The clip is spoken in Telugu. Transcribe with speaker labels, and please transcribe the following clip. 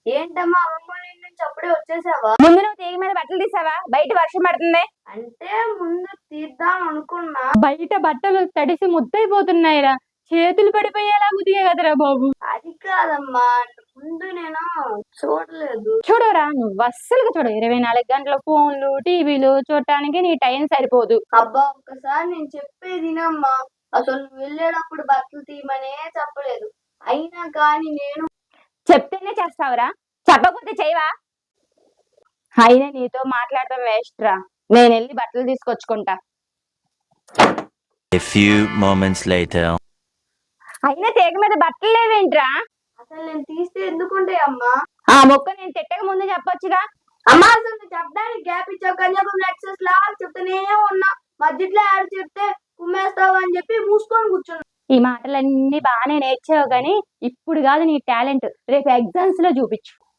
Speaker 1: ఏంటమ్మా అమ్మమ్మ వాళ్ళ ఇంటి నుంచి అప్పుడే వచ్చేసావా?
Speaker 2: ముందు నువ్వు తీగ మీద బట్టలు తీసావా? బయట వర్షం పడుతుంది.
Speaker 1: అంటే ముందు తీద్దాం అనుకున్నా.
Speaker 2: బయట బట్టలు తడిసి ముద్దైపోతున్నాయిరా. చేతులు పడిపోయేలా ఉదిగే కదరా బాబు.
Speaker 1: అది కాదమ్మా, ముందు నేను చూడలేదు.
Speaker 2: చూడరా, నువ్వు అస్సలు చూడు. 24 గంటల ఫోన్లు టీవీలు చూడటానికి నీ టైం సరిపోదు.
Speaker 1: అబ్బా ఒక్కసారి నేను చెప్పేది వినమ్మా. అసలు నువ్వు వెళ్ళేటప్పుడు బట్టలు తీయమనే చెప్పలేదు, అయినా కానీ నేను
Speaker 2: చెప్తేనే చేస్తావురా, చెప్పకపోతే చేయవా? అయినా నీతో మాట్లాడటం వేస్ట్ రా. నేను వెళ్ళి బట్టలు తీసుకొచ్చుకుంటా.
Speaker 3: A few moments later.
Speaker 2: అయినా తీగ మీద బట్టలు లేవేంట్రా?
Speaker 1: అసలు నేను తీస్తే ఎందుకుంటాయి అమ్మా?
Speaker 2: ఆ మొక్క నేను తిట్టక ముందు చెప్పొచ్చుగా.
Speaker 1: అమ్మా అసలు నువ్వు చెప్పడానికి గ్యాప్ ఇచ్చావు. కన్యాకుమారి ఎక్సెస్ లా చెప్తానే ఉన్నా, మధ్యలో ఆడు చెప్తే కుమ్మేస్తావు అని చెప్పి మూసుకొని కూర్చున్నా.
Speaker 2: ఈ మాటలన్నీ బాగానే నేర్చావు గాని ఇప్పుడు కాదు నీ టాలెంట్, రేపు ఎగ్జామ్స్ లో చూపించు.